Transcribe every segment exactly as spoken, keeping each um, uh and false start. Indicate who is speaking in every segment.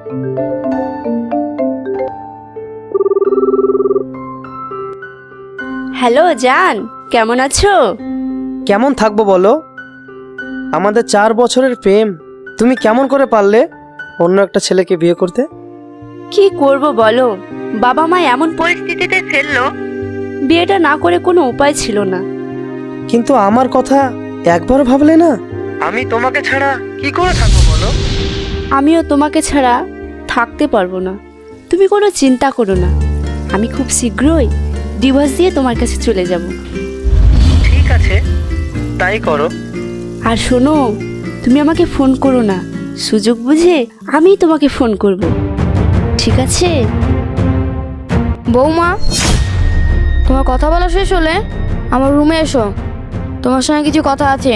Speaker 1: Hello জান, কেমন আছো?
Speaker 2: কেমন থাকবো বলো? আমাদের চার বছরের প্রেম, তুমি কেমন করে পারলে অন্য একটা ছেলেকে বিয়ে করতে?
Speaker 1: কি করব বলো, বাবা মা এমন পরিস্থিতিতে ফেললো, বিয়েটা না করে কোনো উপায় ছিল না।
Speaker 2: কিন্তু আমার কথা একবারও ভাবলে না? আমি তোমাকে ছাড়া কি করে থাকবো বলো?
Speaker 1: আমিও তোমাকে ছাড়া থাকতে পারবো না। তুমি কোনো চিন্তা করো না, আমি খুব শীঘ্রই ডিভোর্স দিয়ে তোমার কাছে চলে যাব।
Speaker 2: ঠিক আছে, তাই করো।
Speaker 1: আর শোনো, তুমি আমাকে ফোন করো না, সুযোগ বুঝে আমি তোমাকে ফোন করব, ঠিক আছে?
Speaker 3: বৌমা, তোমার কথা বলা শেষ হলে আমার রুমে এসো, তোমার সঙ্গে কিছু কথা আছে।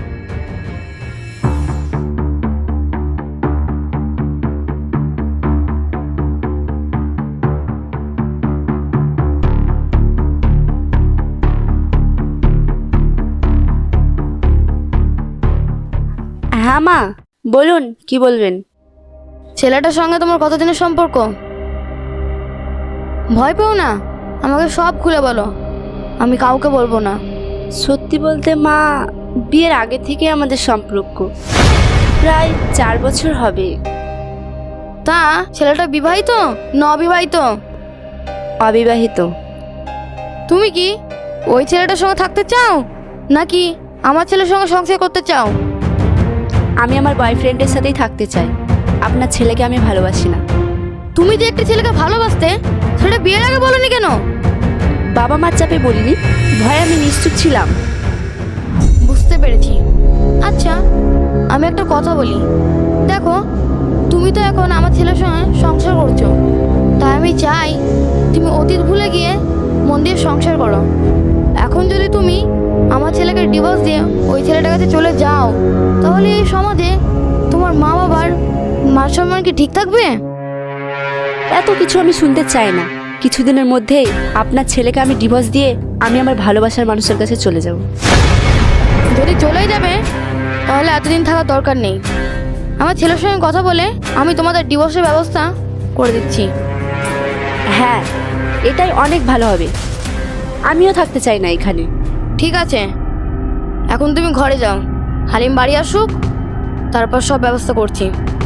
Speaker 1: হ্যাঁ মা, বলুন কি বলবেন।
Speaker 3: ছেলেটার সঙ্গে তোমার কতদিনের সম্পর্ক? ভয় পেও না, আমাকে সব খুলে বলো, আমি কাউকে বলবো না।
Speaker 1: সত্যি বলতে মা, বিয়ের আগে থেকে আমাদের সম্পর্ক, প্রায় চার বছর হবে।
Speaker 3: তা ছেলেটা বিবাহিত না অবিবাহিত?
Speaker 1: অবিবাহিত।
Speaker 3: তুমি কি ওই ছেলেটার সঙ্গে থাকতে চাও, নাকি আমার ছেলের সঙ্গে সংসার করতে চাও?
Speaker 1: আমি আমার বয়ফ্রেন্ডের সাথেই থাকতে চাই, আপনার ছেলেকে আমি ভালোবাসি না।
Speaker 3: তুমি যে একটি ছেলেকে ভালোবাসতে, সেটা বিয়ের আগে বলনি কেন?
Speaker 1: বাবা মার চাপে বলিনি, ভয়ে আমি নিশ্চুপ ছিলাম।
Speaker 3: বুঝতে পেরেছি। আচ্ছা, আমি একটা কথা বলি, দেখো তুমি তো এখন আমার ছেলের সঙ্গে সংসার করছো, তাই আমি চাই তুমি অতীত ভুলে গিয়ে মন দিয়ে সংসার করো। এখন যদি তুমি আমার ছেলেকে ডিভোর্স দিয়ে ওই ছেলেটার কাছে চলে যাও, তাহলে এই সমাজে তোমার মা বাবার মান সম্মান কি ঠিক থাকবে?
Speaker 1: এত কিছু আমি শুনতে চাই না, কিছুদিনের মধ্যেই আপনার ছেলেকে আমি ডিভোর্স দিয়ে আমি আমার ভালোবাসার মানুষের কাছে চলে যাব।
Speaker 3: যদি চলেই যাবে তাহলে এতদিন থাকার দরকার নেই। আমার ছেলের সঙ্গে কথা বলে আমি তোমাদের ডিভোর্সের ব্যবস্থা করে দিচ্ছি।
Speaker 1: হ্যাঁ, এটাই অনেক ভালো হবে, আমিও থাকতে চাই না এখানে।
Speaker 3: ঠিক আছে, এখন তুমি ঘরে যাও, হালিম বাড়ি আসুক, তারপর সব ব্যবস্থা করছি।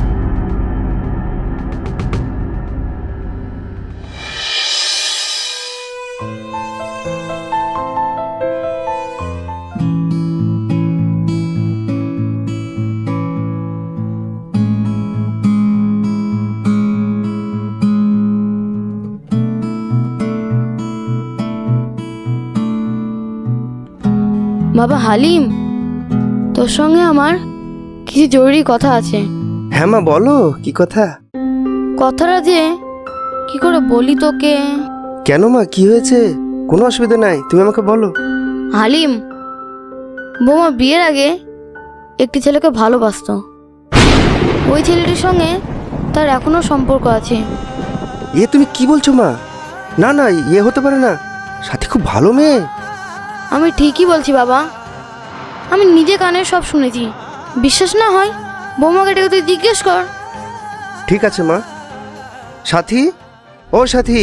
Speaker 3: বাবা হালিম, তোর সঙ্গে আমার কিছু জরুরি কথা আছে।
Speaker 2: হ্যাঁ মা, বলো কি কথা?
Speaker 3: কথাটা যে কি করে বলি তোকে।
Speaker 2: কেন মা, কি হয়েছে? কোনো অসুবিধা নাই, তুমি আমাকে বলো।
Speaker 3: হালিম, বৌমা বিয়ের আগে একটি ছেলেকে ভালোবাসতো, ওই ছেলেটির সঙ্গে তার এখনো সম্পর্ক আছে।
Speaker 2: এ তুমি কি বলছো মা? না না, ইয়ে হতে পারে না, সাথী খুব ভালো মেয়ে।
Speaker 3: আমি ঠিকই বলছি বাবা, আমি নিজে কানে সব শুনেছি। বিশ্বাস না হয় বৌমাকে ডেকে তুই জিজ্ঞেস কর।
Speaker 2: ঠিক আছে মা। সাথী, ও সাথী।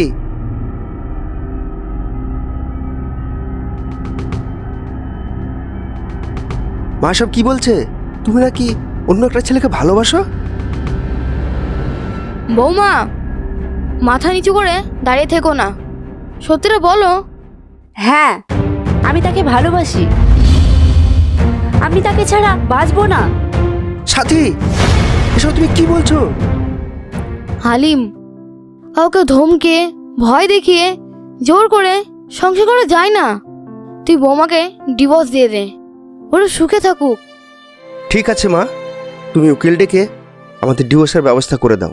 Speaker 2: মা সব কি বলছে? তুমি নাকি অন্য একটা ছেলেকে ভালোবাসো?
Speaker 3: বৌমা, মাথা নিচু করে দাঁড়িয়ে থেকো না, সত্যিটা বলো।
Speaker 1: হ্যাঁ, আমি তাকে ভালোবাসি, আমি তাকে ছাড়া বাঁচবো না।
Speaker 2: সাথী, এসব তুমি কি বলছো?
Speaker 3: হালিম, কাউকে ধমকে ভয় দেখিয়ে জোর করে সংসার করা যায় না। তুই বৌমাকে ডিভোর্স দিয়ে দে, ওরা সুখে থাকুক।
Speaker 2: ঠিক আছে মা, তুমি উকিল ডেকে আমাদের ডিভোর্সের ব্যবস্থা করে দাও।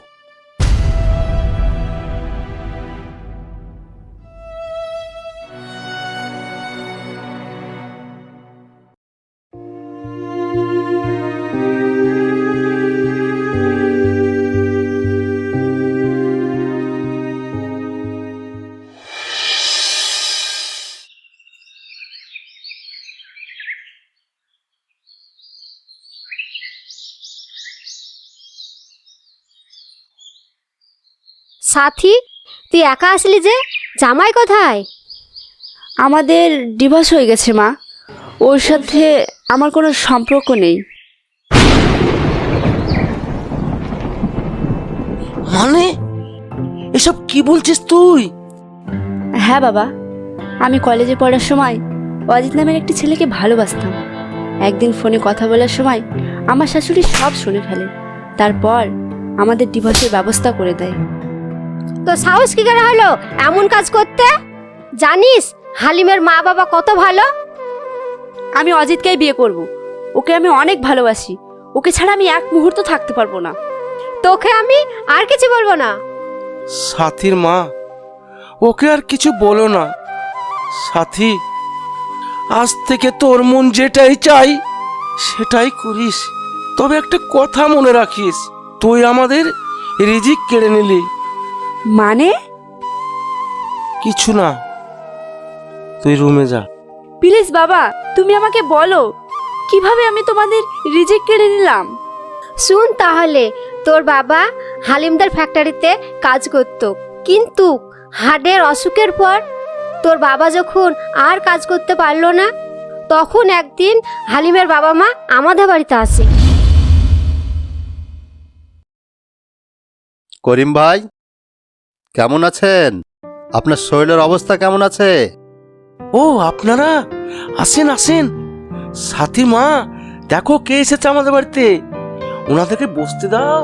Speaker 4: সাথী, তুই একা আসলি যে? জামাই কোথায়?
Speaker 1: আমাদের ডিভোর্স হয়ে গেছে মা। ওর সাথে আমার কোনো সম্পর্ক নেই।
Speaker 2: মানে এসব কি বলছিস তুই?
Speaker 1: হ্যাঁ বাবা, আমি কলেজে পড়ার সময় অজিত নামের একটি ছেলেকে ভালোবাসতাম। একদিন ফোনে কথা বলার সময় আমার শাশুড়ি সব শুনে ফেলে। তারপর আমাদের ডিভোর্সের ব্যবস্থা করে দেয়।
Speaker 4: তো সাহস কি করে হলো এমন কাজ করতে? জানিস হালিমের মা বাবা কত ভালো?
Speaker 1: আমি অজিতকেই বিয়ে করব। ওকে আমি অনেক ভালোবাসি। ওকে ছাড়া আমি এক মুহূর্ত থাকতে পারবো না।
Speaker 4: তোকে আমি আর কিছু বলবো না।
Speaker 5: সাথীর মা, ওকে আর কিছু বলো না। সাথী, আজ থেকে তোর মন যেটাই চাই সেটাই করিস। তবে একটা কথা মনে রাখিস, তুই আমাদের রিজিক কেড়ে নিলি।
Speaker 1: মানে?
Speaker 5: কিছু না, তুই রুমে যা।
Speaker 1: প্লিজ বাবা, তুমি আমাকে বলো কিভাবে আমি তোমাদের রিজেক্ট কেড়ে নিলাম।
Speaker 4: শুন তাহলে, তোর বাবা হালিমদার ফ্যাক্টরিতে কাজ করত, কিন্তু হার্টের অসুখের পর তোর বাবা যখন আর কাজ করতে পারলো না, তখন একদিন হালিমের বাবা মা আমাদের বাড়িতে আসে।
Speaker 6: করিম ভাই, কেমন আছেন? আপনার শরীরের অবস্থা কেমন আছে?
Speaker 5: ও আপনারা আসেন আসেন। সাথী মা, দেখো কে এসেছে আমাদের বাড়িতে। ওনাদেরকে বসতে দাও।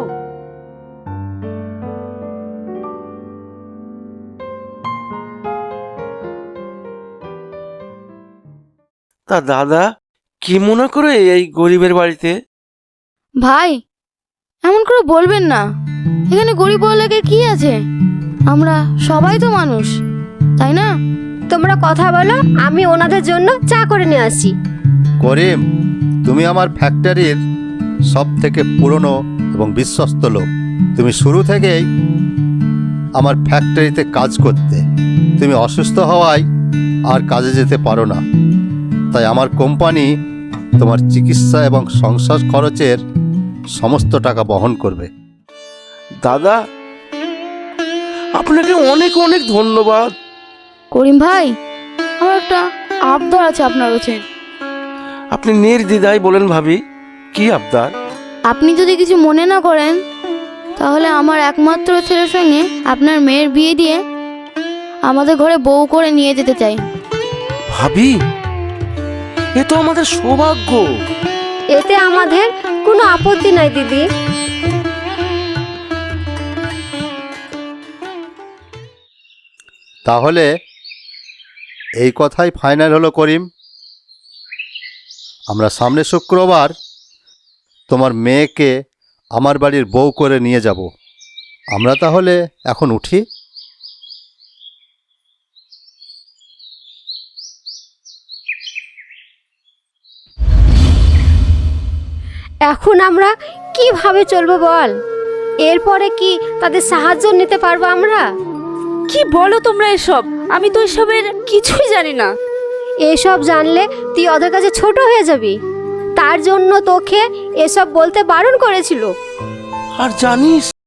Speaker 5: তা দাদা, কি মনে করে এই গরিবের বাড়িতে?
Speaker 3: ভাই, এমন করে বলবেন না। এখানে গরিব বলে কি আছে? আমরা সবাই তো মানুষ, তাই না?
Speaker 4: তোমরা কথা বলো, আমি ওনাদের জন্য চা করে নিয়ে আসি।
Speaker 6: করিম, তুমি আমার ফ্যাক্টরির সব থেকে পুরনো এবং বিশ্বস্ত লোক। তুমি শুরু থেকেই আমার ফ্যাক্টরিতে কাজ করতে। তুমি অসুস্থ হওয়ায় আর কাজে যেতে পারো না, তাই আমার কোম্পানি তোমার চিকিৎসা এবং সংসার খরচের সমস্ত টাকা বহন করবে।
Speaker 5: দাদা, আপনাকে অনেক অনেক ধন্যবাদ।
Speaker 3: করিম ভাই, আমার একটা আবদার আছে আপনার কাছে।
Speaker 5: আপনি নির্দ্বিধায় বলেন ভাবি, কি আবদার?
Speaker 3: আপনি যদি কিছু মনে না করেন, তাহলে আমার একমাত্র ছেলের সঙ্গে আপনার মেয়ের বিয়ে দিয়ে আমাদের ঘরে বউ করে নিয়ে যেতে চাই।
Speaker 5: ভাবি, এ তো আমাদের সৌভাগ্য।
Speaker 4: এতে আমাদের কোনো আপত্তি নাই দিদি।
Speaker 6: তাহলে এই কথাই ফাইনাল হলো করিম। আমরা সামনে শুক্রবার তোমার মেয়েকে আমার বাড়ির বউ করে নিয়ে যাব। আমরা তাহলে এখন উঠি।
Speaker 4: এখন আমরা কিভাবে চলবো বল? এরপরে কি তাদের সাহায্য নিতে পারবো আমরা?
Speaker 1: কি বলো তোমরা এসব? আমি তো এসবের কিছুই জানি না।
Speaker 4: এসব জানলে তুই ওদের কাছে ছোট হয়ে যাবি। তার জন্য তোকে এসব বলতে বারণ করেছিল।
Speaker 5: আর জানিস,